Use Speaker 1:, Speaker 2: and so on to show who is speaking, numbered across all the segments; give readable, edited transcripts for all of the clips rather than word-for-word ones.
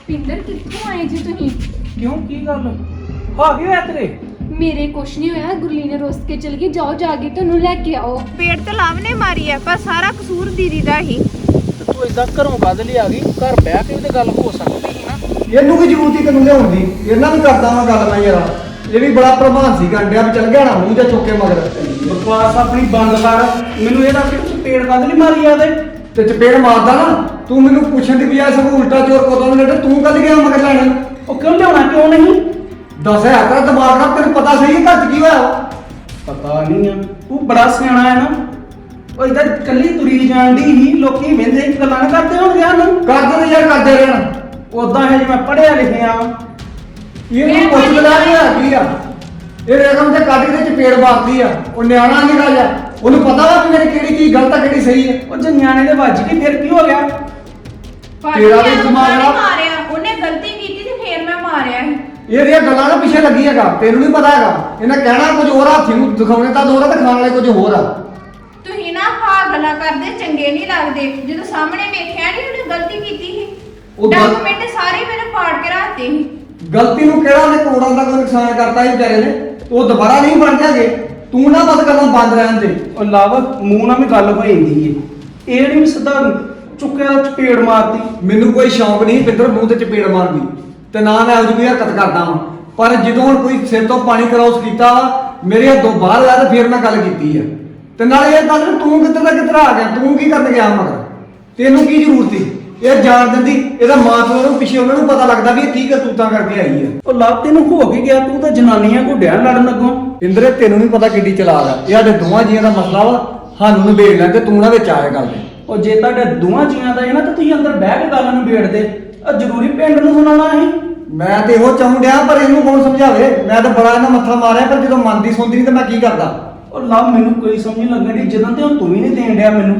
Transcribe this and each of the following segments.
Speaker 1: ਪਿੰਦਰ ਕਿੱਥੋਂ ਆਏ ਜੀ ਤੁਸੀਂ?
Speaker 2: ਕਿਉਂ ਕੀ ਗੱਲ ਆ ਕੀ ਹੋਇਆ ਤੇਰੇ?
Speaker 1: ਮੇਰੇ ਕੁਛ ਨਹੀਂ ਹੋਇਆ। ਗੁਰਲੀ ਨੇ ਰੋਸ ਕੇ ਚਲ ਗਈ। ਜਾਓ ਜਾ ਕੇ ਤੁਹਾਨੂੰ ਲੈ ਕੇ ਆਓ।
Speaker 3: ਪੇੜ ਤੇ ਲਾਭ ਨੇ ਮਾਰੀ ਆ, ਪਰ ਸਾਰਾ ਕਸੂਰ ਦੀਦੀ ਦਾ ਹੀ।
Speaker 2: ਤੇ ਤੂੰ ਇਦਾਂ ਘਰੋਂ ਵੱਧ ਲਈ ਆ ਗਈ, ਘਰ ਬਹਿ ਕੇ ਤੇ ਗੱਲ ਹੋ ਸਕਦੀ ਸੀ ਨਾ।
Speaker 4: ਇਹਨੂੰ ਕੀ ਜ਼ਰੂਰਤ ਸੀ ਤੈਨੂੰ ਲਿਆਉਣ ਦੀ? ਇਹਨਾਂ ਵੀ ਕਰਦਾ ਵਾਂ ਗੱਲ ਮੈਂ ਯਾਰ। ਇਹ ਵੀ ਬੜਾ ਪ੍ਰਭਾਨ ਸੀ ਗੰਡਿਆ ਵੀ ਚੱਲ ਗਿਆ ਨਾ ਮੂੰਹ ਜਾਂ ਚੁੱਕੇ ਮਗਰ।
Speaker 2: ਬਕਵਾਸ ਆਪਣੀ ਬੰਦ ਕਰ। ਮੈਨੂੰ ਇਹਦਾ ਪੇੜ ਵੱਧ ਲਈ ਮਾਰੀ ਆ
Speaker 4: ਤੇ ਚਪੇੜ ਮਾਰਦਾ ਨਾ ਤੂੰ ਮੈਨੂੰ ਪੁੱਛਣ ਦੀ ਬਜਾਏ ਸਭ ਉਲਟਾ ਚੋਰ ਕੋਦੋਂ ਨੇ ਤੂੰ ਕੱਢ ਗਿਆ ਮਗਰ ਲੈਣ।
Speaker 2: ਉਹ ਕਿਉਂ ਲਿਆਉਣਾ ਕਿਉਂ ਨਹੀਂ?
Speaker 4: ਦੱਸ ਹੈ ਤੇਰਾ ਦਿਮਾਗ ਨਾਲ ਤੈਨੂੰ ਪਤਾ ਸਹੀ ਹੈ ਘਰ 'ਚ ਕੀ ਹੋਇਆ ਵਾ?
Speaker 2: ਪਤਾ ਨਹੀਂ ਆ, ਤੂੰ ਬੜਾ ਸਿਆਣਾ ਹੈ ਨਾ। ਉਹ ਇਦਾਂ ਕੱਲੀ ਤੁਰੀ ਜਾਂਦੀ ਹੀ, ਲੋਕੀ ਵਹਿੰਦੇ ਗੱਲਾਂ ਨਾ ਕਰਦੇ ਹੋਣਗੇ ਸਾਨੂੰ।
Speaker 4: ਕਰਦੇ ਨੇ ਯਾਰ ਕਰਦੇ ਰਹਿਣ।
Speaker 2: ਉਦਾਂ ਹੈ ਜਿਵੇਂ ਪੜਿਆ ਲਿਖਿਆ ਵਾ।
Speaker 4: ਇਹਨੂੰ ਪੁੱਛ ਲੈ ਕੀ ਆ ਇਹ ਰਕਮ ਤੇ ਕੱਢ ਕੇ ਚਪੇੜ ਮਾਰਦੀ ਆ। ਉਹ ਨਿਆਣਾ ਨਿਕਾ ਜਾ, ਉਹਨੂੰ ਪਤਾ ਵਾ ਕਿ ਮੇਰੀ ਕਿਹੜੀ ਚੀਜ਼ ਗਲਤ ਆ ਕਿਹੜੀ ਸਹੀ ਹੈ।
Speaker 2: ਉਹ ਜੇ ਨਿਆਣੇ ਦੇ ਵੱਜ ਗਈ ਫਿਰ ਕੀ ਹੋ ਗਿਆ?
Speaker 4: ਤੇਰਾ ਵੀ ਦਿਮਾਗ ਨਾਲ
Speaker 3: ਮਾਰਿਆ ਉਹਨੇ ਗਲਤੀ ਕੀਤੀ ਤੇ ਫੇਰ ਮੈਂ ਮਾਰਿਆ ਸੀ।
Speaker 4: ਇਹਦੀਆਂ ਗੱਲਾਂ ਨਾ ਪਿੱਛੇ ਲੱਗੀ ਹੈਗਾ, ਤੈਨੂੰ ਨਹੀਂ ਪਤਾ ਹੈਗਾ। ਇਹਨੇ ਕਹਿਣਾ ਕੁਝ ਹੋਰ, ਹਾਥੀ ਨੂੰ ਦਿਖਾਉਣੇ ਤਾਂ ਦੋ ਆ ਤੇ ਖਾਣ ਵਾਲੇ ਕੁਝ ਹੋਰ ਆ।
Speaker 3: ਤੁਸੀਂ ਨਾ ਹਾਂ ਗੱਲਾਂ ਕਰਦੇ ਚੰਗੇ ਨਹੀਂ ਲੱਗਦੇ। ਜਦੋਂ ਸਾਹਮਣੇ ਵੇਖਿਆ ਨਹੀਂ ਉਹਨੇ ਗਲਤੀ ਕੀਤੀ ਸੀ।
Speaker 4: ਉਹ
Speaker 3: ਡਾਕੂਮੈਂਟ ਸਾਰੇ ਮੇਰੇ ਪਾੜ ਕੇ ਰੱਖਤੇ ਸੀ।
Speaker 4: ਗਲਤੀ ਨੂੰ ਕਿਹੜਾ ਨੇ ਕਰੋੜਾਂ ਦਾ ਕੋਈ ਨੁਕਸਾਨ ਕਰਤਾ ਸੀ ਵਿਚਾਰੇ ਨੇ। ਉਹ ਦੁਬਾਰਾ ਨਹੀਂ ਬਣ ਜਾਗੇ। ਤੂੰ ਨਾ ਬਸ ਗੱਲਾਂ ਬੰਦ ਰਹਿਣ ਦੇ।
Speaker 2: ਉਹ ਲਵ ਮੂੰਹ ਨਾਲ ਵੀ ਗੱਲ ਹੋ ਜਾਂਦੀ ਏ। ਇਹ ਨਹੀਂ ਸਿੱਧਾ ਚੁੱਕਿਆ ਚਪੇੜ ਮਾਰਤੀ।
Speaker 4: ਮੈਨੂੰ ਕੋਈ ਸ਼ੌਂਕ ਨਹੀਂ ਪਿੰਦਰ ਮੂੰਹ ਤੇ ਚਪੇੜ ਮਾਰਨ ਦੀ, ਤੇ ਨਾ ਮੈਂ ਉਹਦੀ ਕੋਈ ਹਰਕਤ ਕਰਦਾ ਵਾਂ। ਪਰ ਜਦੋਂ ਹੁਣ ਕੋਈ ਸਿਰ ਤੋਂ ਪਾਣੀ ਕਰਾਉਸ ਕੀਤਾ ਵਾ ਮੇਰੇ ਹੱਥੋਂ ਬਾਹਰ ਆਇਆ ਤੇ ਫਿਰ ਮੈਂ ਗੱਲ ਕੀਤੀ ਆ। ਤੇ ਨਾਲੇ ਇਹ ਗੱਲ ਤੂੰ ਕਿੱਧਰ ਦਾ ਕਿੱਧਰ ਆ ਗਿਆ? ਤੂੰ ਕੀ ਕਰਨ ਗਿਆ ਮਗਰ? ਤੈਨੂੰ ਕੀ ਜ਼ਰੂਰਤ ਸੀ? ਇਹ ਜਾਣ ਦਿੰਦੀ। ਇਹਦਾ ਮਾਂ ਪਿਓ ਨੂੰ ਪਿੱਛੇ ਉਹਨਾਂ ਨੂੰ ਪਤਾ ਲੱਗਦਾ ਵੀ ਇਹ ਕੀ ਕਰਤੂਤਾਂ ਕਰਕੇ ਆਈ ਆ।
Speaker 2: ਉਹ ਲਵ ਤੈਨੂੰ ਹੋ ਕੇ ਗਿਆ, ਤੂੰ ਤਾਂ ਜਨਾਨੀਆਂ ਘੁੱਡਿਆਂ ਲੜਨ ਲੱਗੋ।
Speaker 4: ਇੰਦਰੇ ਤੈਨੂੰ ਨਹੀਂ ਪਤਾ ਕਿੱਡੀ ਚਲਾਕ ਆ। ਇਹ ਸਾਡੇ ਦੋਵਾਂ ਜੀਆਂ ਦਾ ਮਸਲਾ ਵਾ, ਸਾਨੂੰ ਨਿਬੇੜ ਲੈਣ ਤੇ ਤੂੰ ਨਾ ਵਿੱਚ ਆਏ ਗੱਲ ਦੇ।
Speaker 2: ਉਹ ਜੇ ਤੁਹਾਡੇ ਦੋਵਾਂ ਜੀਆਂ ਦਾ ਹੈ ਨਾ ਤਾਂ ਤੁਸੀਂ ਅੰਦਰ ਬਹਿ ਕੇ ਗੱਲ ਨੂੰ ਵੇੜਦੇ। ਆ ਜ਼ਰੂਰੀ ਪਿੰਡ ਨੂੰ ਸੁਣਾਉਣਾ ਸੀ।
Speaker 4: ਮੈਂ ਤੇ ਇਹੋ ਚਾਹੁੰ ਡਿਆ ਪਰ ਇਹਨੂੰ ਕੌਣ ਸਮਝਾਵੇ? ਮੈਂ ਤਾਂ ਬੜਾ ਇਹਨਾਂ ਮੱਥਾ ਮਾਰਿਆ ਪਰ ਜਦੋਂ ਮੰਨਦੀ ਸੁਣਦੀ ਨਹੀਂ ਤਾਂ ਮੈਂ ਕੀ ਕਰਦਾ?
Speaker 2: ਉਹ ਲਵ ਮੈਨੂੰ ਕੋਈ ਸਮਝ ਨਹੀਂ ਲੱਗਦੀ ਜਦੋਂ ਤੇ ਹੁਣ ਤੂੰ ਵੀ ਨਹੀਂ ਦੇਣ ਡਿਆ ਮੈਨੂੰ।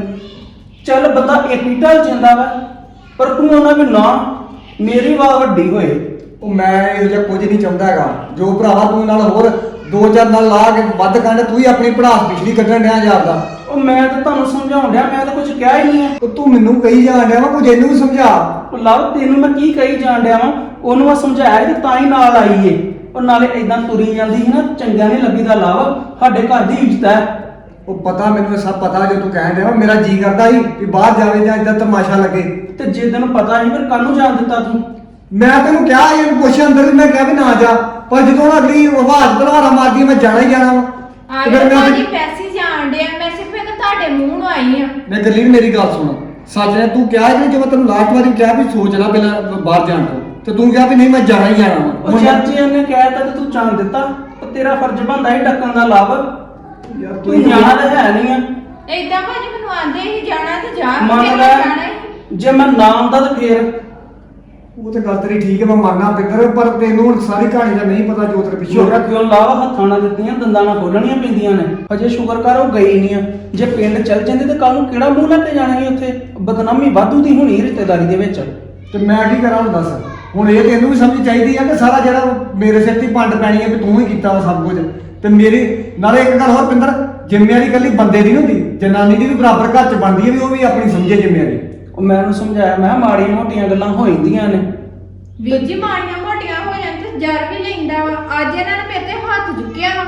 Speaker 2: ਚੱਲ ਬੰਦਾ ਇੱਕ ਹੀ ਢਲ ਜਾਂਦਾ ਵਾ, ਪਰ ਤੂੰ ਉਹਨਾਂ ਵੀ ਨਾ ਮੇਰੀ ਵਾਹ ਵੱਡੀ ਹੋਏ।
Speaker 4: ਉਹ ਮੈਂ ਇਹੋ ਜਿਹਾ ਕੁਝ ਨਹੀਂ ਚਾਹੁੰਦਾ ਹੈਗਾ। ਜੋ ਭਰਾਵਾ ਤੂੰ ਨਾਲ ਹੋਰ ਦੋ ਚਾਰ ਨਾਲ ਲਾ ਕੇ ਵੱਧ ਕੰਡ ਤੂੰ ਹੀ ਆਪਣੀ ਪੜਾਸ ਪਿਛਲੀ ਕੱਢਣ ਡਿਆ ਯਾਰ ਦਾ।
Speaker 2: ਉਹ ਮੈਂ ਤਾਂ ਤੁਹਾਨੂੰ ਸਮਝਾਉਣ ਡਿਆ, ਮੈਂ ਤਾਂ ਕੁਝ ਕਿਹਾ ਹੀ ਨਹੀਂ ਹੈ।
Speaker 4: ਉਹ ਤੂੰ ਮੈਨੂੰ ਕਹੀ ਜਾਣ ਡਿਆ ਵਾ, ਕੁਝ ਇਹਨੂੰ ਵੀ ਸਮਝਾ।
Speaker 2: ਉਹ ਲਵ ਤੈਨੂੰ ਮੈਂ ਕੀ ਕਹੀ ਜਾਣ ਡਿਆ ਵਾਂ? ਉਹਨੂੰ ਮੈਂ ਸਮਝਾਇਆ ਕਿ ਤਾਂ ਹੀ ਨਾਲ ਆਈ ਏ। ਉਹ ਨਾਲੇ ਇਦਾਂ ਤੁਰੀ ਜਾਂਦੀ ਸੀ ਨਾ, ਚੰਗਾ ਨਹੀਂ ਲੱਗੀਦਾ ਲਵ। ਸਾਡੇ ਘਰ ਦੀ ਇੱਜ਼ਤ ਹੈ।
Speaker 4: ਉਹ ਪਤਾ ਮੈਨੂੰ ਸਭ ਪਤਾ ਜੋ ਤੂੰ ਕਹਿਣ ਡਿਆ ਵਾ। ਮੇਰਾ ਜੀ ਕਰਦਾ ਸੀ ਕਿ ਬਾਹਰ ਜਾਵੇ ਜਾਂ ਇਦਾਂ ਤਮਾਸ਼ਾ ਲੱਗੇ।
Speaker 2: ਤੇ ਜੇ ਤੈਨੂੰ ਪਤਾ ਸੀ ਫਿਰ ਕੱਲ ਨੂੰ ਜਾਣ ਦਿੱਤਾ ਤੂੰ।
Speaker 4: ਮੈਂ ਤੈਨੂੰ ਕਿਹਾ ਇਹ ਪੁੱਛ ਅੰਦਰ ਵੀ, ਮੈਂ ਕਿਹਾ ਵੀ ਨਾ ਜਾ। ਪਰ ਜਦੋਂ ਅਗਲੀ ਆਵਾਜ਼ ਤਲਵਾਰਾ ਮਾਰਦੀ ਮੈਂ ਜਾਣਾ ਹੀ ਜਾਣਾ ਵਾ।
Speaker 3: ਆ
Speaker 4: ਤੇ ਫਿਰ
Speaker 3: ਗਿਆ
Speaker 4: ਮੈਂ
Speaker 3: ਭਾਜੀ ਪੈਸੇ ਜਾਣ ਡਿਆ। ਮੈਂ ਸਿਰਫ ਇੱਕ ਤੁਹਾਡੇ ਮੂੰਹ ਨੂੰ ਆਈ ਆ।
Speaker 4: ਮੈਂ ਗੱਲੀ ਮੇਰੀ ਗੱਲ ਸੁਣ। ਸੱਚ ਨੇ ਤੂੰ ਕਿਹਾ ਕਿ ਜਦੋਂ ਤੈਨੂੰ ਲਾਸਟ ਵਾਰੀ ਕਿਹਾ ਵੀ ਸੋਚ ਲੈ ਪਹਿਲਾਂ ਬਾਹਰ ਜਾਣ ਤੋਂ, ਤੇ ਤੂੰ ਕਿਹਾ ਵੀ ਨਹੀਂ ਮੈਂ ਜਾਣਾ ਹੀ ਜਾਣਾ ਵਾ।
Speaker 2: ਉਹ ਚਾਚੀ ਨੇ ਕਹਿਤਾ ਤੇ ਤੂੰ ਜਾਣ ਦਿੱਤਾ। ਉਹ ਤੇਰਾ ਫਰਜ਼ ਬਣਦਾ ਸੀ ਡੱਕਣ ਦਾ ਲਵ।
Speaker 4: ਯਾਰ
Speaker 2: ਤੂੰ ਜਾਣਾ ਤਾਂ ਹੈ ਨਹੀਂ ਆ।
Speaker 3: ਏਦਾਂ ਭਾਜੀ ਮੈਨੂੰ ਆਂਦੇ ਹੀ ਜਾਣਾ ਤੇ ਜਾ।
Speaker 2: ਮੰਨ
Speaker 3: ਫਿਰ
Speaker 2: ਲੈ
Speaker 3: ਮੈਂ ਜਾਣਾ ਹੀ।
Speaker 2: ਜੇ ਮੈਂ ਨਾ ਆਉਂਦਾ ਤਾਂ ਫੇਰ
Speaker 4: ਉਹ ਤੇ ਗੱਲ ਤੇਰੀ ਠੀਕ ਹੈ, ਮੈਂ ਮੰਨਣਾ ਪਿੰਦਰ, ਪਰ ਤੈਨੂੰ ਹੁਣ ਸਾਰੀ ਕਹਾਣੀ ਦਾ ਨਹੀਂ ਪਤਾ ਜੋ ਤੇਰੇ ਪਿੱਛੇ ਹੋ
Speaker 2: ਸ਼ੁਕਰ
Speaker 4: ਰਿਹਾ।
Speaker 2: ਕਿਉਂ ਲਾਵਾ ਹੱਥਾਂ ਨਾਲ ਦਿੱਤੀਆਂ ਦੰਦਾਂ ਨਾਲ ਖੋਲਣੀਆਂ ਪੈਂਦੀਆਂ ਨੇ। ਅਜੇ ਸ਼ੁਕਰ ਕਰ ਉਹ ਗਈ ਨਹੀਂ ਆ। ਜੇ ਪਿੰਡ ਚੱਲ ਜਾਂਦੇ ਤੇ ਕੱਲ ਨੂੰ ਕਿਹੜਾ ਮੂੰਹ ਲੈ ਕੇ ਜਾਣਾ ਸੀ ਉੱਥੇ? ਬਦਨਾਮੀ ਵਾਧੂ ਦੀ ਹੋਣੀ ਰਿਸ਼ਤੇਦਾਰੀ ਦੇ ਵਿੱਚ।
Speaker 4: ਤੇ ਮੈਂ ਕੀ ਕਰਾਂ ਹੁਣ ਦੱਸ? ਹੁਣ ਇਹ ਤੈਨੂੰ ਵੀ ਸਮਝ ਚਾਹੀਦੀ ਆ ਕਿ ਸਾਰਾ ਜਿਹੜਾ ਮੇਰੇ ਸਿਰ ਤੇ ਪੰਡ ਪੈਣੀ ਹੈ ਵੀ ਤੂੰ ਹੀ ਕੀਤਾ ਵਾ ਸਭ ਕੁਝ। ਤੇ ਮੇਰੀ ਨਾਲੇ ਇੱਕ ਗੱਲ ਹੋਰ ਪਿੰਦਰ, ਜ਼ਿੰਮੇਵਾਰੀ ਇਕੱਲੀ ਬੰਦੇ ਦੀ ਨਹੀਂ ਹੁੰਦੀ, ਜਨਾਨੀ ਦੀ ਵੀ ਬਰਾਬਰ ਘਰ 'ਚ ਬਣਦੀ ਹੈ ਵੀ ਉਹ ਵੀ ਆਪਣੀ ਸਮਝੇ ਜ਼ਿੰਮੇਵਾਰੀ।
Speaker 2: ਉਹ ਮੈਂ ਉਹਨੂੰ ਸਮਝਾਇਆ, ਮੈਂ ਕਿਹਾ ਮਾੜੀਆਂ ਮੋਟੀਆਂ ਗੱਲਾਂ ਹੋ ਜਾਂਦੀਆਂ ਨੇ।
Speaker 3: ਵੀਰ ਜੀ ਮਾੜੀਆਂ ਮੋਟੀਆਂ ਹੋ ਜਾਣ ਤੇ ਜਰ ਵੀ ਲੈਂਦਾ ਵਾ। ਅੱਜ ਇਹਨਾਂ ਨੇ ਮੇਰੇ ਤੇ ਹੱਥ ਚੁੱਕਿਆ ਵਾ।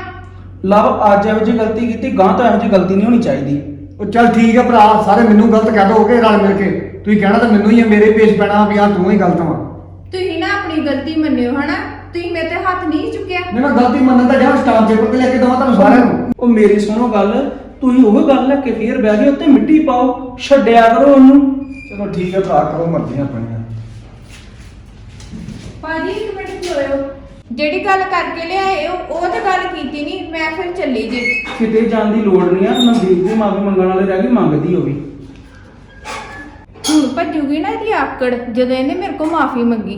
Speaker 2: ਲਵ ਅੱਜ ਇਹੋ ਜਿਹੀ ਗਲਤੀ ਕੀਤੀ, ਗਾਂ ਤੋਂ ਇਹੋ ਜਿਹੀ ਗਲਤੀ ਨਹੀਂ ਹੋਣੀ ਚਾਹੀਦੀ।
Speaker 4: ਉਹ ਚੱਲ ਠੀਕ ਹੈ ਭਰਾ, ਸਾਰੇ ਮੈਨੂੰ ਗਲਤ ਕਹਿ ਦੋਗੇ ਰਲ ਮਿਲ ਕੇ। ਤੁਸੀਂ ਕਹਿਣਾ ਤਾਂ ਮੈਨੂੰ ਹੀ ਹੈ, ਮੇਰੇ ਪੇਸ਼ ਪੈਣਾ ਵੀ ਆ ਤੂੰ ਹੀ ਗਲਤ ਵਾ।
Speaker 3: ਤੁਸੀਂ ਨਾ ਆਪਣੀ ਗਲਤੀ ਮੰਨਿਓ ਹਨਾ। ਤੁਸੀਂ ਮੇਰੇ ਤੇ ਹੱਥ ਨਹੀਂ ਚੁੱਕਿਆ।
Speaker 4: ਨਹੀਂ ਮੈਂ ਗਲਤੀ ਮੰਨਣ ਦਾ ਜਾਂ ਸਟਾਂਪ ਪੇਪਰ ਤੇ ਲੈ ਕੇ ਦਵਾਂ ਤੁਹਾਨੂੰ ਸਾਰਿਆਂ ਨੂੰ।
Speaker 2: ਉਹ ਮੇਰੀ ਸੁਣੋ ਗੱਲ, ਤੁਸੀਂ ਉਹ ਗੱਲ ਲੈ ਕੇ ਫੇਰ ਬਹਿ ਗਏ ਉੱਤੇ ਮਿੱਟੀ ਪਾਓ, ਛੱਡਿਆ ਕਰੋ ਉਹਨੂੰ।
Speaker 4: ਚਲੋ ਠੀਕ ਹੈ ਭਰਾ, ਕਰੋ ਮਰਜ਼ੀਆਂ ਆਪਣੀਆਂ।
Speaker 3: ਭਾਜੀ ਇੱਕ ਮਿੰਟ ਖਲੋਇਓ। ਜਿਹੜੀ ਗੱਲ ਕਰਕੇ ਲਿਆਏ ਉਹ ਤਾਂ ਗੱਲ ਕੀਤੀ ਨਹੀਂ। ਮੈਂ ਫਿਰ ਚੱਲੀ ਜੀ।
Speaker 2: ਕਿਤੇ ਜਾਣ ਦੀ ਲੋੜ ਨਹੀਂ ਆ। ਨਵਦੀਪ ਦੀ ਮਾਫੀ ਮੰਗਣ ਵਾਲੇ ਰਹਿ ਗਈ, ਮੰਗਦੀ ਹੋਵੇ।
Speaker 3: ਹੁਣ ਭੱਜੂਗੀ ਨਾ ਇਹਦੀ ਆਕੜ ਜਦੋਂ ਇਹਨੇ ਮੇਰੇ ਕੋਲ ਮਾਫੀ ਮੰਗੀ।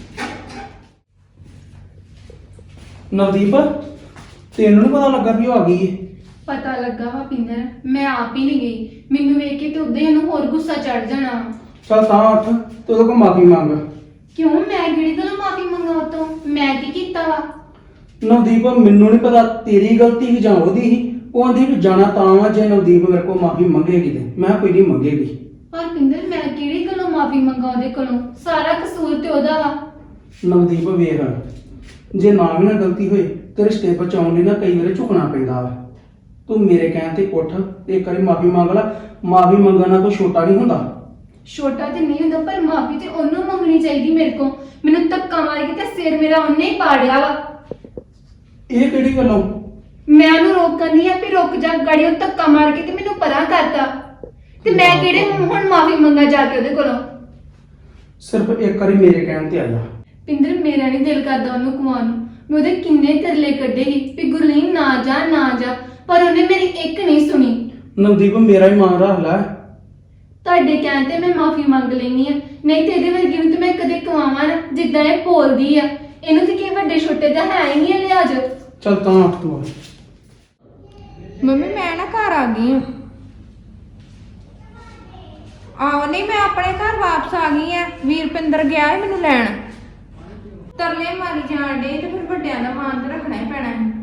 Speaker 2: ਨਵਦੀਪ ਤੈਨੂੰ ਨੀ ਪਤਾ ਲੱਗਾ ਵੀ ਉਹ ਆ ਗਈ ਏ?
Speaker 1: ਪਤਾ ਲੱਗਾ ਵਾ ਪਿੰਦਰ, ਮੈਂ ਆਪ ਹੀ ਨਹੀਂ ਗਈ। ਮੈਨੂੰ ਵੇਖ ਕੇ ਤੇ ਉਦਾਂ ਹੀ ਉਹਨੂੰ ਹੋਰ ਗੁੱਸਾ ਚੜ ਜਾਣਾ।
Speaker 2: ਚੱਲ ਤਾਂ ਉੱਠ ਤੇ ਉਹਦੇ ਕੋਲ ਮਾਫੀ ਮੰਗ।
Speaker 1: ਕਿਉਂ? ਮੈਂ ਕਿਹੜੀ ਗੱਲੋਂ ਮਾਫੀ ਮੰਗਾ ਉਹ ਤੋਂ? ਮੈਂ ਕੀ ਕੀਤਾ ਵਾ?
Speaker 2: ਨਵਦੀਪ ਮੈਨੂੰ ਨਹੀਂ ਪਤਾ ਤੇਰੀ ਗਲਤੀ ਸੀ ਜਾਂ ਉਹਦੀ ਸੀ। ਉਹ ਆਂਦੀ ਵੀ ਜਾਣਾ ਤਾਂ ਵਾ ਜੇ ਨਵਦੀਪ ਮੇਰੇ ਕੋਲ ਮਾਫੀ ਮੰਗੇਗੀ ਤੇ। ਮੈਂ ਕਿਹਾ ਕੋਈ ਨਹੀਂ ਮੰਗੇਗੀ।
Speaker 1: ਪਰ ਪਿੰਦਰ ਮੈਂ ਕਿਹੜੀ ਗੱਲੋਂ ਮਾਫੀ ਮੰਗਾ ਉਹਦੇ ਕੋਲੋਂ। ਸਾਰਾ ਕਸੂਰ ਤੇ ਉਹਦਾ ਵਾ।
Speaker 2: ਨਵਦੀਪ ਵੇਖ, ਜੇ ਨਾ ਵੀ ਨਾ ਗਲਤੀ ਹੋਏ ਤੇ ਰਿਸ਼ਤੇ ਬਚਾਉਣ ਲਈ ਨਾ ਕਈ ਵਾਰੀ ਝੁਕਣਾ ਪੈਂਦਾ ਵਾ। ਤੂੰ ਮੇਰੇ ਕਹਿਣ ਤੇ ਉੱਠ ਤੇ ਇੱਕ ਵਾਰੀ ਮਾਫੀ ਮੰਗ ਲੈ। ਮਾਫੀ ਮੰਗਣਾ ਕੋਈ ਛੋਟਾ ਨਹੀਂ ਹੁੰਦਾ।
Speaker 1: ਛੋਟਾ ਤੇ ਨਹੀਂ ਹੁੰਦਾ, ਪਰ ਮਾਫੀ ਤੇ ਉਹਨੂੰ ਮੰਗਣੀ ਚਾਹੀਦੀ ਮੇਰੇ ਕੋਲ। ਮੈਨੂੰ ਧੱਕਾ ਮਾਰ ਕੇ ਤੇ ਸਿਰ ਮੇਰਾ ਉਹਨੇ ਹੀ ਪਾੜਿਆ ਵਾ।
Speaker 2: ਇਹ ਕਿਹੜੀ ਗੱਲੋਂ?
Speaker 1: ਮੈਂ ਉਹਨੂੰ ਰੋਕਣੀ ਆ ਵੀ ਰੁਕ ਜਾ, ਗਾੜੀ ਉਹ ਧੱਕਾ ਮਾਰ ਕੇ ਤੇ ਮੈਨੂੰ ਪਰਾਂ ਕਰਤਾ। ਤੇ ਮੈਂ ਕਿਹੜੇ ਹੁਣ ਮਾਫੀ ਮੰਗਾ ਜਾ ਕੇ ਉਹਦੇ ਕੋਲੋਂ?
Speaker 2: ਸਿਰਫ ਇੱਕ ਵਾਰੀ ਮੇਰੇ ਕਹਿਣ ਤੇ ਆ ਜਾ।
Speaker 1: ਪਿੰਦਰ, ਮੇਰਾ ਨਹੀਂ ਦਿਲ ਕਰਦਾ ਉਹਨੂੰ ਕੁਆਉਣ ਨੂੰ। ਮੈਂ ਉਹਦੇ ਕਿੰਨੇ ਤਰਲੇ ਕੱਢੇ ਸੀ ਵੀ ਗੁਰਲੀਨ ਨਾ ਜਾ ਨਾ ਜਾ, ਪਰ ਉਹਨੇ ਮੇਰੀ ਇੱਕ ਨਹੀਂ ਸੁਣੀ।
Speaker 2: ਨਵਦੀਪ ਮੇਰਾ ਹੀ ਮਾਨ ਰੱਖ ਲੈ।
Speaker 1: ਤੁਹਾਡੇ ਕਹਿਣ ਤੇ ਮੈਂ ਮਾਫੀ ਮੰਗ ਲੈਣੀ ਆ, ਨਹੀਂ ਤੇ ਇਹਦੇ ਵਰਗੀ ਨੂੰ ਤੇ ਮੈਂ ਕਦੇ ਕਵਾਵਾਂ ਨਾ ਜਿੱਦਾਂ ਇਹ ਬੋਲਦੀ ਆ। ਇਹਨੂੰ ਤੇ ਕੀ ਵੱਡੇ ਛੋਟੇ ਦਾ ਹੈ ਹੀ ਨਹੀਂ ਲਿਹਾਜ਼।
Speaker 2: ਚੱਲ ਤਾਂ ਉੱਠ ਤੂੰ।
Speaker 3: ਮੰਮੀ ਮੈਂ ਨਾ ਘਰ ਆ ਗਈ ਆਹ ਨਹੀਂ, ਮੈਂ ਆਪਣੇ ਘਰ ਵਾਪਸ ਆ ਗਈ ਆ। ਵੀਰਪਿੰਦਰ ਗਿਆ ਹੈ ਮੈਨੂੰ ਲੈਣ। ਤਰਲੇ ਮਾਰੀ ਜਾਣ ਡੇ ਤੇ ਫਿਰ ਵੱਡਿਆਂ ਦਾ ਮਾਨ ਤੇ ਰੱਖਣਾ ਹੀ ਪੈਣਾ ਹੈ।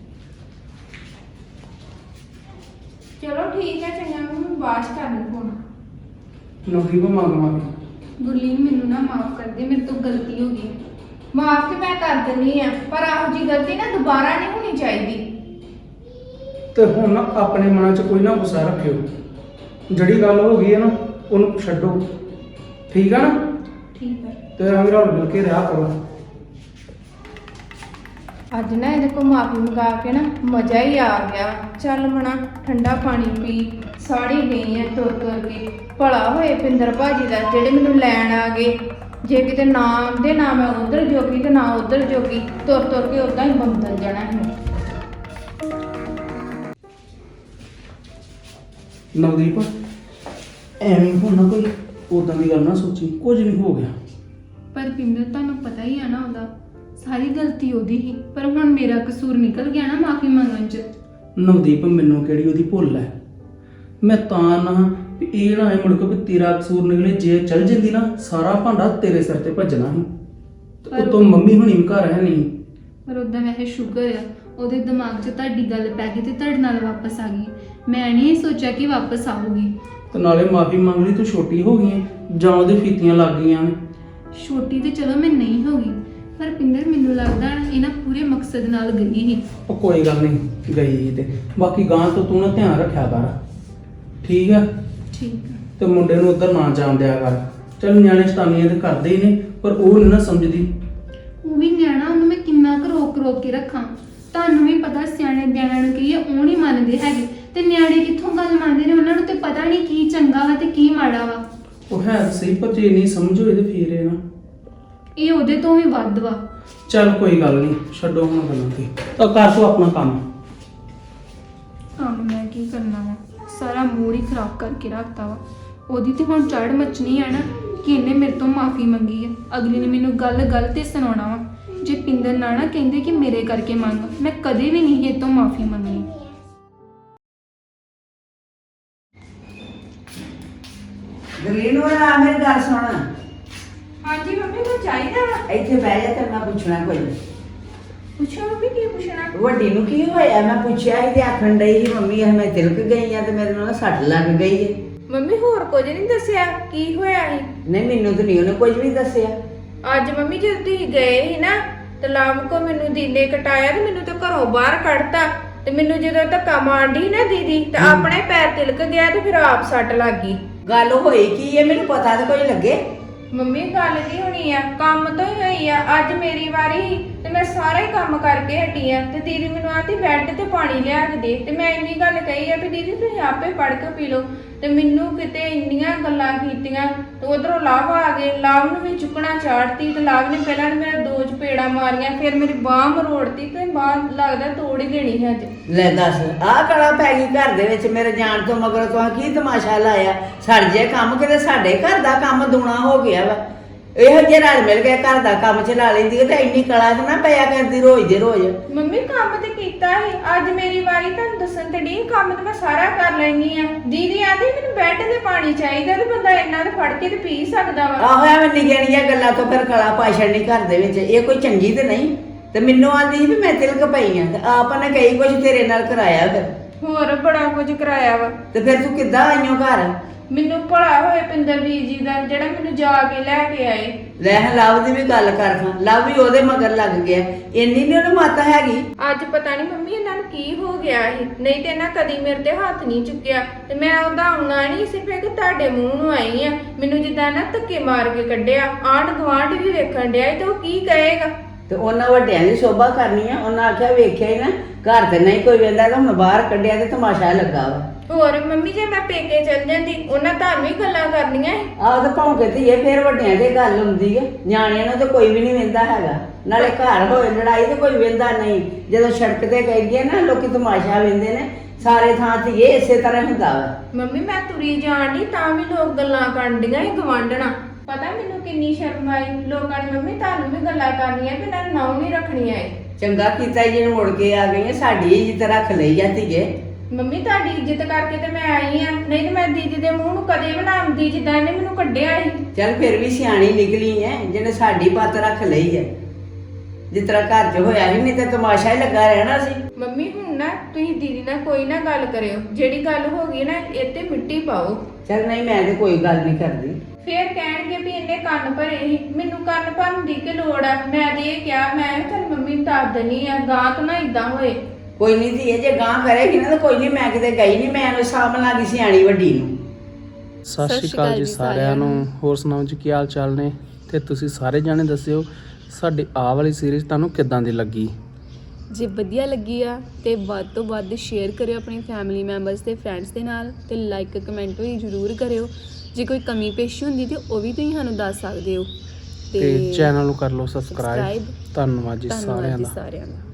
Speaker 3: ਚਲੋ ਠੀਕ ਹੈ, ਚੰਗਾ ਮੈਂ ਬਾਅਦ ਚ ਕਰ ਲੂ ਫੋਨ।
Speaker 2: ਨਵਦੀਪ ਮੰਗ ਮਾਫੀ।
Speaker 1: ਗੁਰਲੀਨ ਮੈਨੂੰ ਨਾ ਮਾਫ ਕਰ ਦੇ, ਮੇਰੇ ਤੋਂ ਗਲਤੀ ਹੋ ਗਈ।
Speaker 3: ਮਾਫ ਤੇ ਮੈਂ ਕਰ ਦਿੰਦੀ ਆ, ਪਰ ਆਹੋ ਜੀ ਗਲਤੀ ਨਾ ਦੁਬਾਰਾ ਨਹੀਂ ਹੋਣੀ ਚਾਹੀਦੀ।
Speaker 2: ਤੇ ਹੁਣ ਨਾ ਆਪਣੇ ਮਨਾਂ 'ਚ ਕੋਈ ਨਾ ਗੁੱਸਾ ਰੱਖਿਓ। ਜਿਹੜੀ ਗੱਲ ਹੋ ਗਈ ਹੈ ਨਾ ਉਹਨੂੰ ਛੱਡੋ, ਠੀਕ ਆ ਨਾ?
Speaker 1: ਠੀਕ ਹੈ।
Speaker 2: ਤੇ ਐਵੇਂ ਰਲ ਮਿਲ ਕੇ ਰਿਹਾ ਕਰੋ।
Speaker 3: ਅੱਜ ਨਾ ਇਹਦੇ ਕੋਲ ਮਾਫੀ ਮੰਗਾ ਕੇ ਨਾ ਮਜ਼ਾ ਹੀ ਆ ਗਿਆ। ਚੱਲ ਮਣਾ ਠੰਡਾ ਪਾਣੀ ਪੀ, ਸਾੜੀ ਗਈ ਆ ਤੁਰ ਤੁਰ ਕੇ। ਭਲਾ ਹੋਏ ਪਿੰਦਰ ਭਾਜੀ ਦਾ ਜਿਹੜੇ ਮੈਨੂੰ ਲੈਣ ਆ ਗਏ। ਜੇ ਕਿਤੇ ਨਾ ਆਉਂਦੇ, ਨਾ ਮੈਂ ਉਧਰ ਜੋਗੀ ਤੇ ਨਾ ਉਧਰ ਜੋਗੀ, ਤੁਰ ਤੁਰ ਕੇ ਉਦਾਂ ਹੀ ਬੰਦਲ ਜਾਣਾ ਸੀ।
Speaker 2: ਨਵਦੀਪ ਐਵੇਂ ਹੁਣ ਨਾ ਕੋਈ ਉਦਾਂ ਦੀ ਗੱਲ ਨਾ ਸੋਚੀ, ਕੁਝ ਨਹੀਂ ਹੋ ਗਿਆ।
Speaker 1: ਪਰ ਪਿੰਦਰ, ਤੁਹਾਨੂੰ ਪਤਾ ਹੀ ਆ ਨਾ ਉਹਦਾ ਸਾਰੀ ਗਲਤੀ ਉਹਦੀ ਹੀ, ਪਰ ਹੁਣ ਮੇਰਾ ਕਸੂਰ ਨਿਕਲ ਗਿਆ ਨਾ ਮਾਫੀ ਮੰਗਣ ਚ।
Speaker 2: ਨਵਦੀਪ ਮੈਨੂੰ ਕਿਹੜੀ ਉਹਦੀ ਭੁੱਲ ਹੈ? ਮੈਂ ਤਾਂ ਨਾ ਵੀ ਇਹ ਨਾ ਮੁੜ ਕੇ ਵੀ ਤੇਰਾ ਕਸੂਰ ਨਿਕਲੇ। ਜੇ ਚੱਲ ਜਾਂਦੀ ਨਾ ਸਾਰਾ ਭਾਂਡਾ ਤੇਰੇ ਸਿਰ ਤੇ ਭੱਜਣਾ ਸੀ।
Speaker 1: ਪਰ
Speaker 2: ਉਤੋਂ ਮੰਮੀ ਹੁਣੀ ਵੀ ਘਰ ਹੈ ਨਹੀਂ।
Speaker 1: ਪਰ ਉਦਾਂ ਵੈਸੇ ਸ਼ੁਕਰ ਆ ਉਹਦੇ ਦਿਮਾਗ 'ਚ ਤੁਹਾਡੀ ਗੱਲ ਪੈ ਗਈ ਤੇ ਤੁਹਾਡੇ ਨਾਲ ਵਾਪਸ ਆ ਗਈ। ਮੈਂ ਨਹੀਂ ਸੋਚਿਆ ਕਿ ਵਾਪਸ ਆਊਗੀ।
Speaker 2: ਤੇ ਨਾਲੇ ਮਾਫੀ ਮੰਗ ਲਈ, ਤੂੰ ਛੋਟੀ ਹੋ ਗਈ ਹੈ ਜਾਂ ਉਹਦੇ ਫੀਤੀਆਂ ਲੱਗ ਗਈਆਂ ਨੇ।
Speaker 1: ਛੋਟੀ ਤੇ ਚਲੋ ਮੈਂ ਨਹੀਂ ਹੋ ਗਈ, ਪਰ ਪਿੰਦਰ ਮੈਨੂੰ ਲੱਗਦਾ ਇਹ ਨਾ ਪੂਰੇ ਮਕਸਦ ਨਾਲ ਗਈ ਸੀ।
Speaker 2: ਉਹ ਕੋਈ ਗੱਲ ਨਹੀਂ ਗਈ ਤੇ ਬਾਕੀ ਗਾਂ ਤੋਂ ਤੂੰ ਨਾ ਧਿਆਨ ਰੱਖਿਆ ਕਰ, ਠੀਕ ਆ?
Speaker 1: ਠੀਕ ਆ।
Speaker 2: ਤੇ ਮੁੰਡੇ ਨੂੰ ਉੱਧਰ ਨਾ ਜਾਣ ਦਿਆ ਕਰ। ਚੱਲ ਨਿਆਣੇ ਸ਼ਤਾਨੀਆਂ ਤੇ ਕਰਦੇ ਹੀ ਨੇ, ਪਰ ਉਹ ਨਹੀਂ ਨਾ ਸਮਝਦੀ।
Speaker 1: ਉਹ ਵੀ ਨਿਆਣਾ, ਉਹਨੂੰ ਮੈਂ ਕਿੰਨਾ ਕੁ ਰੋਕ ਕੇ ਰੱਖਾਂ। ਤੁਹਾਨੂੰ ਵੀ ਪਤਾ ਸਿਆਣੇ ਨਿਆਣਿਆਂ ਨੂੰ ਕਹੀਏ ਉਹ ਨਹੀਂ ਮੰਨਦੇ ਹੈਗੇ, ਤੇ ਨਿਆਣੇ ਕਿੱਥੋਂ ਗੱਲ ਮੰਨਦੇ ਨੇ? ਉਹਨਾਂ ਨੂੰ ਤੇ ਪਤਾ ਨਹੀਂ ਕੀ ਚੰਗਾ ਵਾ ਤੇ ਕੀ ਮਾੜਾ ਵਾ।
Speaker 2: ਉਹ ਹੈ ਤਾਂ ਸਹੀ, ਪਰ ਜੇ ਨਹੀਂ ਸਮਝੋ ਇਹਦੇ ਫੇਰ ਇਹ ਨਾ।
Speaker 1: ਇਹ ਉਹਦੇ ਤੋਂ ਵੀ ਵੱਧ ਵਾ।
Speaker 2: ਚੱਲ ਕੋਈ ਗੱਲ ਨਹੀਂ, ਛੱਡੋ ਹੁਣ ਗੱਲਾਂ ਤੇ, ਤਾਂ ਕਰ ਤੂੰ ਆਪਣਾ ਕੰਮ।
Speaker 1: ਕੰਮ ਮੈਂ ਕੀ ਕਰਨਾ ਵਾ, ਸਾਰਾ ਮੂਡ ਹੀ ਖਰਾਬ ਕਰਕੇ ਰੱਖਤਾ ਵਾ। ਉਹਦੀ ਤੇ ਹੁਣ ਚੜ ਮੱਚਣੀ ਆ ਨਾ ਕਿ ਇਹਨੇ ਮੇਰੇ ਤੋਂ ਮਾਫੀ ਮੰਗੀ ਆ। ਅਗਲੀ ਨੇ ਮੈਨੂੰ ਗੱਲ ਤੇ ਸੁਣਾਉਣਾ ਵਾ। ਜੇ ਪਿੰਦਰ ਨਾ ਕਹਿੰਦੇ ਕਿ ਮੇਰੇ ਕਰਕੇ ਮੰਗ, ਮੈਂ ਕਦੇ ਵੀ ਨਹੀਂ ਇਹ ਤੋਂ ਮਾਫੀ ਮੰਗਣੀ।
Speaker 5: ਗਰੀਨ ਹੋਣਾ ਮੇਰੀ ਗੱਲ ਸੁਣ।
Speaker 3: ਹਾਂਜੀ ਮੰਮੀ, ਕੋਈ ਚਾਹੀਦਾ ਵਾ?
Speaker 5: ਇੱਥੇ ਬਹਿ ਜਾ ਤੇ ਮੈਂ ਪੁੱਛਣਾ ਕੋਈ।
Speaker 3: ਪੁੱਛੋ ਮੰਮੀ, ਕੀ ਪੁੱਛਣਾ?
Speaker 5: ਵੱਡੀ ਨੂੰ ਕੀ ਹੋਇਆ? ਮੈਂ ਪੁੱਛਿਆ ਸੀ ਤੇ ਆਖਣ ਡਈ ਸੀ ਮੰਮੀ ਮੈਂ ਤਿਲਕ ਗਈ ਆ ਤੇ ਮੇਰੇ ਨਾਲ ਸੱਟ ਲੱਗ ਗਈ ਹੈ।
Speaker 3: ਮੰਮੀ ਹੋਰ ਕੁਝ ਨਹੀਂ ਦੱਸਿਆ ਕੀ ਹੋਇਆ ਸੀ?
Speaker 5: ਨਹੀਂ ਮੈਨੂੰ ਤਾਂ ਨਹੀਂ ਉਹਨੇ ਕੁਝ ਵੀ ਦੱਸਿਆ।
Speaker 3: ਅੱਜ ਮੰਮੀ ਜਦੋਂ ਤੁਸੀਂ ਗਏ ਸੀ ਨਾ ਤੇ ਲਾਮ ਕੋ ਮੈਨੂੰ ਦੀਨੇ ਕਟਾਇਆ ਤੇ ਮੈਨੂੰ ਤਾਂ ਘਰੋਂ ਬਾਹਰ ਕੱਢਤਾ। ਤੇ ਮੈਨੂੰ ਜਦੋਂ ਧੱਕਾ ਮਾਰਦੀ ਨਾ ਦੀਦੀ ਤੇ ਆਪਣੇ ਪੈਰ ਤਿਲਕ ਗਿਆ ਤੇ ਫਿਰ ਆਪ ਸੱਟ ਲੱਗ ਗਈ।
Speaker 5: ਗੱਲ ਹੋਈ ਕੀ ਹੈ ਮੈਨੂੰ ਪਤਾ ਤਾਂ ਕੋਈ ਲੱਗੇ।
Speaker 3: ਮੰਮੀ ਗੱਲ ਕੀ ਹੋਣੀ ਆ, ਕੰਮ ਤੋਂ ਹੀ ਹੋਈ ਆ। ਅੱਜ ਮੇਰੀ ਵਾਰੀ ਸੀ ਤੇ ਮੈਂ ਸਾਰਾ ਹੀ ਕੰਮ ਕਰਕੇ ਹਟੀ ਆ ਤੇ ਦੀਦੀ ਮੈਨੂੰ ਆਂਦੀ ਬੈੱਡ ਤੇ ਪਾਣੀ ਲਿਆ ਕੇ ਦੇ। ਤੇ ਮੈਂ ਇੰਨੀ ਗੱਲ ਕਹੀ ਆ ਵੀ ਦੀਦੀ ਤੁਸੀਂ ਆਪੇ ਪੜ ਕੇ ਪੀ ਲਓ। ਤੇ ਮੈਨੂੰ ਕਿਤੇ ਇੰਨੀਆਂ ਗੱਲਾਂ ਕੀਤੀਆਂ ਤੇ ਉਧਰੋਂ ਲਾਭ ਆ ਗਏ। ਲਾਭ ਨੂੰ ਵੀ ਚੁੱਕਣਾ ਚਾੜਤੀ ਤੇ ਲਾਭ ਨੇ ਪਹਿਲਾਂ ਮੇਰੇ 2 ਚਪੇੜਾਂ ਮਾਰੀਆਂ, ਫਿਰ ਮੇਰੀ ਬਾਹ ਮਰੋੜਤੀ ਤੇ ਬਾਹ ਲੱਗਦਾ ਤੋੜ ਹੀ ਦੇਣੀ ਸੀ ਅੱਜ।
Speaker 5: ਲੈ ਦੱਸ ਆਹ ਕਲਾ ਪੈ ਗਈ ਘਰ ਦੇ ਵਿੱਚ ਮੇਰੇ ਜਾਣ ਤੋਂ ਮਗਰ ਤੂੰ ਕੀ ਤਮਾਸ਼ਾ ਲਾਇਆ? ਸੜ ਜੇ ਕੰਮ ਕਿਤੇ ਸਾਡੇ ਘਰ ਦਾ ਕੰਮ ਦੂਣਾ ਹੋ ਗਿਆ ਵਾ। ਇਹੋ ਜਿਹੇ ਰਲ ਮਿਲ ਕੇ ਘਰ ਦਾ ਕੰਮ ਚਲਾ ਲੈਂਦੀ ਹੈ ਤੇ ਇੰਨੀ ਕਲਾ ਤੇ ਨਾ ਪਿਆ ਕਰਦੀ ਰੋਜ਼ ਦੇ ਰੋਜ਼।
Speaker 3: ਮੰਮੀ ਕੰਮ ਤੇ ਕੀਤਾ ਸੀ, ਅੱਜ ਮੇਰੀ ਵਾਰੀ ਤੁਹਾਨੂੰ ਦੱਸਣ ਤੇ ਨਹੀਂ। ਕੰਮ ਤੇ ਮੈਂ ਸਾਰਾ ਕਰ ਲੈਣੀ ਆ। ਦੀਦੀ ਆਂਦੀ ਮੈਨੂੰ ਬੈੱਡ ਤੇ ਪਾਣੀ ਚਾਹੀਦਾ ਤੇ ਬੰਦਾ ਇੰਨਾ ਤੇ ਫੜ ਕੇ ਤੇ ਪੀ ਸਕਦਾ ਵਾ।
Speaker 5: ਆਹੋ ਐਵੇਂ ਨਿਗਣੀਆਂ ਗੱਲਾਂ ਤੋਂ ਫਿਰ ਕਲਾ ਪਾ ਛੱਡਣੀ ਘਰ ਦੇ ਵਿੱਚ, ਇਹ ਕੋਈ ਚੰਗੀ ਤੇ ਨਹੀਂ। ਤੇ ਮੈਨੂੰ ਆਂਦੀ ਸੀ ਵੀ ਮੈਂ ਤਿਲਕ ਪਈ ਆ ਤੇ ਆਪ ਨੇ ਕਈ ਕੁਝ ਤੇਰੇ ਨਾਲ ਕਰਾਇਆ। ਫਿਰ
Speaker 3: ਹੋਰ ਬੜਾ ਕੁਝ ਕਰਾਇਆ ਵਾ।
Speaker 5: ਤੇ ਫਿਰ ਤੂੰ ਕਿੱਦਾਂ ਆਈਓ ਘਰ?
Speaker 3: ਮੈਨੂੰ ਭਲਾ ਹੋਏ ਪਿੰਦਰ ਵੀਰ ਜੀ ਦਾ ਜਿਹੜਾ ਮੈਨੂੰ ਜਾ ਕੇ ਲੈ ਕੇ ਆਏ।
Speaker 5: ਲੈ ਲਵ ਦੀ ਵੀ ਗੱਲ ਕਰ ਖਾਂ, ਲਵ ਵੀ ਉਹਦੇ ਮਗਰ ਲੱਗ ਗਿਆ, ਇੰਨੀ ਨੀ ਉਹਨੂੰ ਮੱਤ ਹੈਗੀ।
Speaker 3: ਅੱਜ ਪਤਾ ਨਹੀਂ ਮੰਮੀ ਇਹਨਾਂ ਨੂੰ ਕੀ ਹੋ ਗਿਆ ਸੀ, ਨਹੀਂ ਤੇ ਇਹਨਾਂ ਕਦੀ ਮੇਰੇ ਤੇ ਹੱਥ ਨਹੀਂ ਚੁੱਕਿਆ ਤੇ ਮੈਂ ਉਹਦਾ ਆਉਣਾ ਨਹੀਂ ਸਿਰਫ ਇੱਕ ਤੁਹਾਡੇ ਮੂੰਹ ਨੂੰ ਆਈ ਆ। ਮੈਨੂੰ ਜਿੱਦਾਂ ਨਾ ਧੱਕੇ ਮਾਰ ਕੇ ਕੱਢਿਆ, ਆਂਢ ਗੁਆਂਢ ਵੀ ਵੇਖਣ ਡਿਆ ਤੇ ਉਹ ਕੀ ਕਹੇਗਾ।
Speaker 5: ਤੇ ਉਹਨਾਂ ਵੱਡਿਆਂ ਦੀ ਸ਼ੋਭਾ ਕਰਨੀ ਆ, ਉਹਨਾਂ ਆਖਿਆ ਵੇਖਿਆ ਹੀ ਨਾ ਘਰ ਤੇ ਨਹੀਂ ਕੋਈ ਵੇਂਦਾ ਤਾਂ ਹੁਣ ਬਾਹਰ ਕੱਢਿਆ ਤੇ ਤਮਾਸ਼ਾ ਲੱਗਾ ਵਾ।
Speaker 3: ਹੋਰ ਮੰਮੀ ਜੇ ਮੈਂ ਪੇਕੇ ਚਲ ਜਾਂਦੀ ਉਹਨਾਂ ਤੁਹਾਨੂੰ ਹੀ ਗੱਲਾਂ ਕਰਨੀਆਂ ਸੀ।
Speaker 5: ਆਹ ਤਾਂ ਭੌਂਕੇ ਧੀਏ ਫੇਰ ਵੱਡਿਆਂ ਦੀ ਗੱਲ ਹੁੰਦੀ ਹੈ, ਨਿਆਣਿਆਂ ਨੂੰ ਤਾਂ ਕੋਈ ਵੀ ਨਹੀਂ ਵੇਂਦਾ ਹੈਗਾ। ਨਾਲੇ ਘਰ ਹੋਏ ਲੜਾਈ ਤੇ ਕੋਈ ਵੇਂਦਾ ਨਹੀਂ, ਜਦੋਂ ਸੜਕ ਤੇ ਕਹੀਏ ਨਾ ਲੋਕੀ ਤਮਾਸ਼ਾ ਵੇਂਦੇ ਨੇ, ਸਾਰੇ ਥਾਂ ਧੀਏ ਇਸੇ ਤਰ੍ਹਾਂ ਹੁੰਦਾ ਵਾ।
Speaker 3: ਮੰਮੀ ਮੈਂ ਤੁਰੀ ਜਾਣ ਦੀ ਤਾਂ ਵੀ ਲੋਕ ਗੱਲਾਂ ਕਰਦੀਆਂ ਸੀ ਗਵਾਂਢਣਾ। ਪਤਾ ਮੈਨੂੰ ਕਿੰਨੀ ਸ਼ਰਮ ਆਈ, ਲੋਕਾਂ ਨੇ ਮੰਮੀ ਤੁਹਾਨੂੰ ਵੀ ਗੱਲਾਂ ਕਰਨੀਆਂ ਕਿ ਨਾ ਨਾਉ ਨਹੀਂ ਰੱਖਣੀਆਂ ਏ।
Speaker 5: ਚੰਗਾ ਕੀਤਾ ਜੀ ਨੂੰ ਮੁੜ ਕੇ ਆ ਗਈ, ਸਾਡੀ ਇੱਜ਼ਤ ਰੱਖ ਲਈ ਆ ਧੀਏ।
Speaker 3: ਮੰਮੀ ਤੁਹਾਡੀ ਇੱਜ਼ਤ ਕਰਕੇ ਤੇ ਮੈਂ ਆਈ ਆ, ਨਹੀਂ ਤੇ ਮੈਂ ਦੀਦੀ ਦੇ ਮੂੰਹ ਨੂੰ ਕਦੇ ਬਣਾਉਂਦੀ ਜਿੱਦਾਂ ਇਹਨੇ ਮੈਨੂੰ ਕੱਢਿਆ ਸੀ।
Speaker 5: ਚੱਲ ਫਿਰ ਵੀ ਸਿਆਣੀ ਨਿਕਲੀ ਐ ਜਿਹਨੇ ਸਾਡੀ ਪੱਤ ਰੱਖ ਲਈ ਐ। ਜਿਸ ਤਰ੍ਹਾਂ ਘਰ 'ਚ ਹੋਇਆ ਸੀ, ਨਹੀਂ ਤੇ ਤਮਾਸ਼ਾ ਹੀ ਲੱਗਾ ਰਹਿਣਾ ਸੀ।
Speaker 3: ਮੰਮੀ ਹੁਣ ਨਾ ਤੁਸੀਂ ਦੀਦੀ ਨਾਲ ਕੋਈ ਨਾ ਗੱਲ ਕਰਿਓ, ਜਿਹੜੀ ਗੱਲ ਹੋ ਗਈ ਨਾ ਇਹ ਤੇ ਮਿੱਟੀ ਪਾਓ।
Speaker 5: ਚੱਲ ਨਹੀਂ ਮੈਂ ਤੇ ਕੋਈ ਗੱਲ ਨਹੀਂ ਕਰਦੀ।
Speaker 3: ਫੇਰ ਕਹਿਣਗੇ ਵੀ ਇਹਨੇ ਕੰਨ ਭਰੇ ਸੀ, ਮੈਨੂੰ ਕੰਨ ਭਰਨ ਦੀ ਕੀ ਲੋੜ ਆ। ਮੈਂ ਤੇ ਇਹ ਕਿਹਾ ਮੈਂ ਤੇਰੀ ਮੰਮੀ ਨੂੰ ਦੱਸ ਦੇਣੀ ਆ, ਗਾਂ ਤੋਂ ਨਾ ਇਦਾਂ ਹੋਏ।
Speaker 5: ਕੋਈ ਨਹੀਂ ਧੀਏ, ਜੇ ਗਾਂ ਕਰੇਗੀ ਨਾ ਤਾਂ ਕੋਈ ਨਹੀਂ, ਮੈਂ ਕਿਤੇ ਗਈ ਨਹੀਂ, ਮੈਂ ਉਹਨੂੰ ਸਾਂਭ ਲਾਂਗੀ ਸਿਆਣੀ ਵੱਡੀ ਨੂੰ।
Speaker 2: ਸਤਿ ਸ਼੍ਰੀ ਅਕਾਲ ਜੀ ਸਾਰਿਆਂ ਨੂੰ। ਹੋਰ ਸੁਣਾਓ ਜੀ ਕੀ ਹਾਲ ਚਾਲ ਨੇ? ਤੇ ਤੁਸੀਂ ਸਾਰੇ ਜਾਣੇ ਦੱਸਿਓ ਸਾਡੀ ਆਹ ਵਾਲੀ ਸੀਰੀਜ਼ ਤੁਹਾਨੂੰ ਕਿੱਦਾਂ ਦੀ ਲੱਗੀ।
Speaker 6: ਜੇ ਵਧੀਆ ਲੱਗੀ ਆ ਤੇ ਵੱਧ ਤੋਂ ਵੱਧ ਸ਼ੇਅਰ ਕਰਿਓ ਆਪਣੀ ਫੈਮਿਲੀ ਮੈਂਬਰਸ ਤੇ ਫਰੈਂਡਸ ਦੇ ਨਾਲ, ਤੇ ਲਾਈਕ ਕਮੈਂਟ ਵੀ ਜ਼ਰੂਰ ਕਰਿਓ। ਜੇ ਕੋਈ ਕਮੀ ਪੇਸ਼ੀ ਹੁੰਦੀ ਤੇ ਉਹ ਵੀ ਤੁਸੀਂ ਸਾਨੂੰ ਦੱਸ ਸਕਦੇ ਹੋ।
Speaker 2: ਤੇ ਚੈਨਲ ਨੂੰ ਕਰ ਲਓ ਸਬਸਕ੍ਰਾਈਬ। ਧੰਨਵਾਦ ਜੀ ਸਾਰਿਆਂ ਦਾ।
Speaker 6: ਸਾਰਿਆਂ ਦਾ।